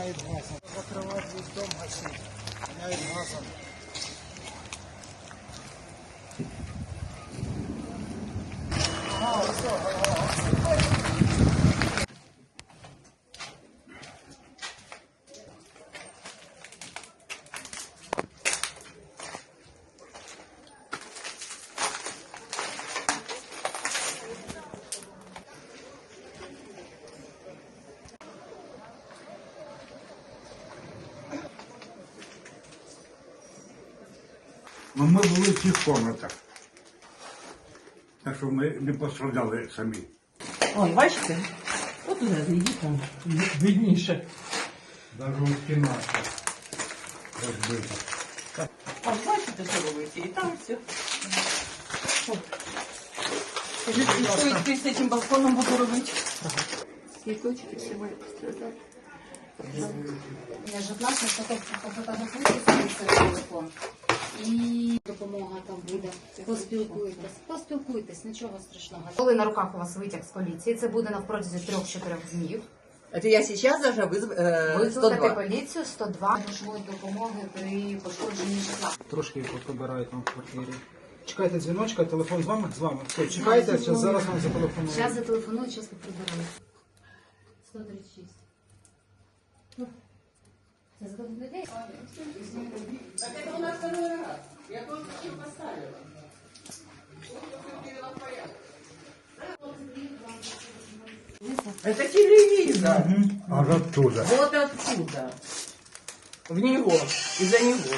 воняет газом. Закрывать весь дом, гасить. Воняет газом. Ну, ми були в цих комнатах. Так що ми не постраждали самі. Ой, бачите? От туди зайдіть, там видніше. Навіть стіна розбита. А бачите, що робите? І там все. Скажіть, що з цим балконом буду робити? Цвіточки всі мої постраждали. Я ж власне пофотографуйте свій телефон. І допомога там буде. Поспілкуйтесь, нічого страшного. Коли на руках у вас витяг з поліції, це буде на протязі 3-4 днів. Это я сейчас даже Викликати 102. поліцію 102 грошової допомоги при пошкодженні житла. Трошки побирають там в квартирі. Чекайте дзвіночка, телефон з вами? З вами. Все, чекайте, зараз вам зателефоную. Зараз зателефоную, зараз приберу. 136. Це за людей? Так это у нас второй раз. Я только что поставила. Это телевизор. Аж оттуда. Вот отсюда. В него. Из-за него.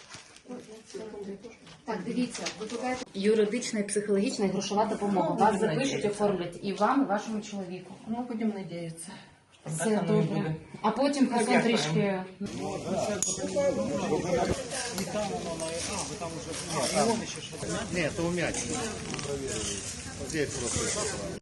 Так, дивіться, викликаєте юридична, психологічна і грошова допомога. Вас запишуть, оформлять і вам, і вашому чоловіку. Ну, будем надеяться. Все добре. А потім потім трішки. Нет, это умять. Здесь просто.